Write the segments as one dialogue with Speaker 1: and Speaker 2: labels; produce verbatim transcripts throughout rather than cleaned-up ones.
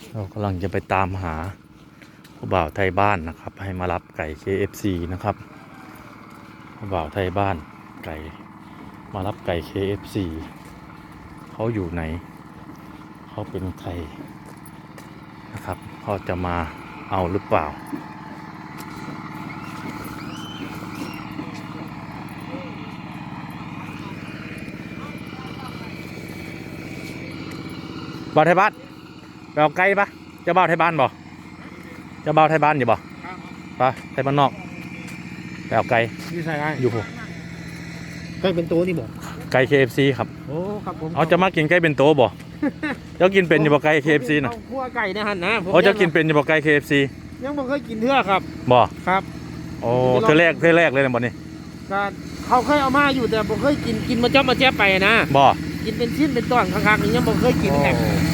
Speaker 1: เรากำลังจะไปตามหาผู้บ่าวไทยบ้านนะครับให้มารับไก่ เค เอฟ ซี นะครับผู้บ่าวไทยบ้านไก่มารับไก่ เค เอฟ ซี เขาอยู่ไหนเขาเป็นใครนะครับเขาจะมาเอาหรือเปล่าบ่าวไทยบ้านไปเอาไก่ปะเจ้าบ่าวไทยบ้านบ่เจ้าบ่าวไทยบ้านอยู่บ่ปะไทยบ้านนอกไปเอาไก่
Speaker 2: นี่ใช่ไง
Speaker 1: อยู่ผม
Speaker 2: ไก่เป็นตัวนี่บอก
Speaker 1: ไก่ เค เอฟ ซี ครับ
Speaker 2: โอ้ครับผม
Speaker 1: เอาจะมากินไก่เป็นโตบ่เจ้ากินเป็นอยู่บ่ไก่ เค เอฟ ซี น่ะ
Speaker 2: คั่วไก่นะฮะนะผม
Speaker 1: โอ้เจ้ากินเป็นอยู่บ่ไก่ เค เอฟ ซี
Speaker 2: ยังบ่เคยกินเทื่อครับ
Speaker 1: บ่
Speaker 2: ครับ
Speaker 1: โอ้เธอแรกเธอแรกเลยนะบ่นี่
Speaker 2: ก็เขาเคยเอามาอยู่แต่บ่เคยกินกินมาจ้อมาแจ๊บไปนะ
Speaker 1: บ่
Speaker 2: กินเป็นชิ้นเป็นตอนข้างๆนี่ยังบ่เคยกินแหละ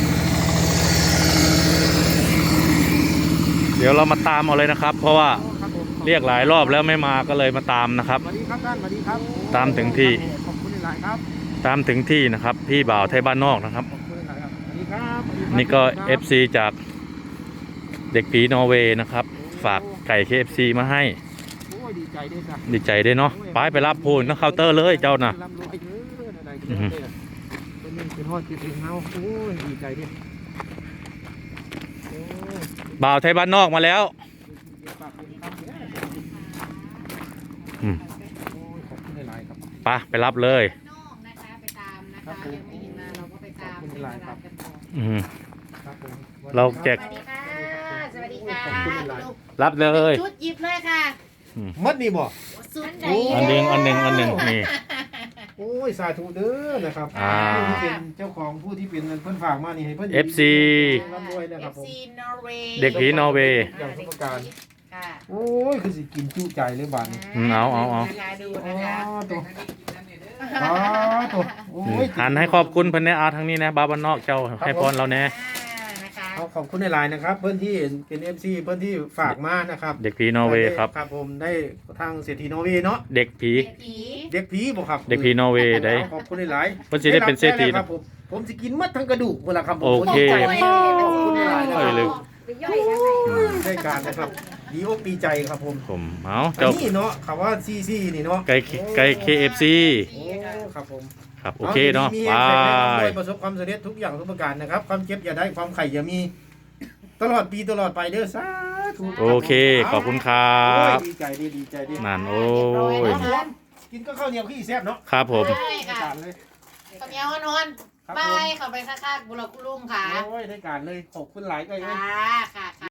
Speaker 1: เดี๋ยวเรามาตามเอาเลยนะครับ เพราะว่า
Speaker 2: ครับผม
Speaker 1: เรียกหลายรอบแล้วไม่มาก็เลยมาตามนะครับ
Speaker 2: สวัสดีครับท่านสวัสดีครับ
Speaker 1: ตามถึงที่
Speaker 2: ขอบคุณหลายๆครับ
Speaker 1: ตามถึงที่นะครับพี่บ่าวไทยบ้านนอกนะครับ
Speaker 2: ขอบคุณหลายๆครับสวัสดีครับสวัสดีครับ
Speaker 1: นี่ก็
Speaker 2: สวัสดีครับ
Speaker 1: เอฟ ซี จากเด็กผีนอร์เวย์นะครับฝากไก่ เค เอฟ ซี มาให้
Speaker 2: โอ้ยดีใจด้วยจ้ะ
Speaker 1: ดีใจด้วยเนาะไปไปรับพูนนะเคาน์เตอร์เลยเจ้าน่ะ
Speaker 2: ร่ำรวยเด้ออะไรก็
Speaker 1: อือฮึ
Speaker 2: ได้เป็นนี่เป็นฮอดจิตเองเฮาโอ้ยดีใจด้วยโอ้ย
Speaker 1: บ่าวไทยบ้านนอกมาแล้ว
Speaker 2: ฝากคุณครับเนี่ย
Speaker 1: อืม
Speaker 2: โอ้ยขอบคุณหลายๆครับ
Speaker 1: ไปไปรับเลย
Speaker 3: นอกนะคะไปตามนะ
Speaker 2: ครั
Speaker 3: คะ
Speaker 2: บผม
Speaker 3: ยังไม่เห็นมาเราก็ไปตาม
Speaker 2: ขอบคุณหลายครับ
Speaker 3: กันต่อ
Speaker 1: อืม
Speaker 2: ครับผม
Speaker 1: เราแจก
Speaker 3: สวัสดีค่ะสวัสดีค่ะ
Speaker 2: ขอบคุณหลาย
Speaker 3: ลูก
Speaker 1: รับเลย
Speaker 3: ชุดหยิบเลยค่ะ
Speaker 2: มัดนี่บ่
Speaker 3: สุดไหน
Speaker 1: อันหนึ่งอันหนึ่งอันหนึ่งนี่
Speaker 2: โอ้ยสาธุเด้อนะครับ
Speaker 1: อ่า
Speaker 2: ผู้ที่เป็นเจ้าของผู้ที่เป็นเพิ่นฝากมานี่ให้เพิ่น
Speaker 1: เอฟ ซี
Speaker 2: ร่ำรวยนะ
Speaker 3: เอ
Speaker 2: ครับ
Speaker 3: ฟ
Speaker 2: ผม
Speaker 3: ซีนอร์เวย์
Speaker 1: เด็กผีนอร์เวย์
Speaker 2: อย่างทุกประการ
Speaker 3: ค่ะ
Speaker 2: โอ้ยคือสิกินจุใจเลยบาดนี้
Speaker 1: อืมเอาเอาเอา
Speaker 3: นะคะดู
Speaker 2: อ๋อ
Speaker 3: นะคะ
Speaker 2: ตัวอ๋อตัวโอ้ย
Speaker 1: หันให้ขอบคุณเพิ่นแน่อาทางนี้นะบาวบ้านนอกเจ้าให้พรเราแน่
Speaker 3: อ่านะคะ
Speaker 2: เอาขอบคุณในไลน์นะครับ เพื่อนที่เป็น เอฟ ซี เพื่อนที่ฝากมานะครับ
Speaker 1: เด็กผีนอร์เวย์ครับ
Speaker 2: ครับผมได้ทางเศรษฐีนอร์เวย์เนาะ
Speaker 1: เด็กผี
Speaker 3: เด็กผี
Speaker 2: เด็กผีบ่ครับ
Speaker 1: เด็กผีนอร์เวย์ได้
Speaker 2: ขอบคุณในไลน์
Speaker 1: เพิ่นสิได้เป็นเศรษฐี
Speaker 2: ค
Speaker 1: นะ
Speaker 2: รับผมผมสิกินมัดทั้งกระดูกเวลาครับผม
Speaker 1: โอเค
Speaker 2: ผมดีใจ
Speaker 3: โอ้ย
Speaker 2: มากขอบคุณในไลน์นะ
Speaker 1: เอ้ย
Speaker 2: ค
Speaker 1: ลื
Speaker 2: รับ
Speaker 1: ม
Speaker 3: ไปย่อยนะคะ
Speaker 2: ได้การนะครับดีอกดีใจครับผม
Speaker 1: ผมเอา
Speaker 2: อัน
Speaker 1: เจ้า
Speaker 2: นี้เนาะคำว่าซีซีนี่เนาะ
Speaker 1: ไก่ไก่ เค เอฟ ซี
Speaker 2: โอ้ครับผม
Speaker 1: ครับโอเคเนาะ
Speaker 2: มี
Speaker 1: บา
Speaker 2: แข็งแรง
Speaker 1: ย
Speaker 2: ด้วยประสบความสำเร็จทุกอย่างทุกประการนะครับ ความเจ็บอย่าได้ความไข่อย่ามีตลอดปีตลอดไปเด้อสาธุ
Speaker 1: โอเคขอบคุณครั
Speaker 2: โอ้ย
Speaker 1: บ
Speaker 2: ดีใจดีดีใจดี
Speaker 1: นั่นโอ้ย
Speaker 2: กินก็ข้าวเหนียวขี้แซ่บเนาะ
Speaker 1: ครับผม
Speaker 3: ใช่ค่ะ
Speaker 2: การเลย
Speaker 3: ข้าวเหนียวนอน
Speaker 2: ครับ
Speaker 3: ไป
Speaker 2: ผม
Speaker 3: เข้าไปข้างๆบุรุษคุณลุงค่ะ
Speaker 2: โอ้ยได้การเลยขอบคุณหลายก็เลย
Speaker 3: ค่ะค่ะ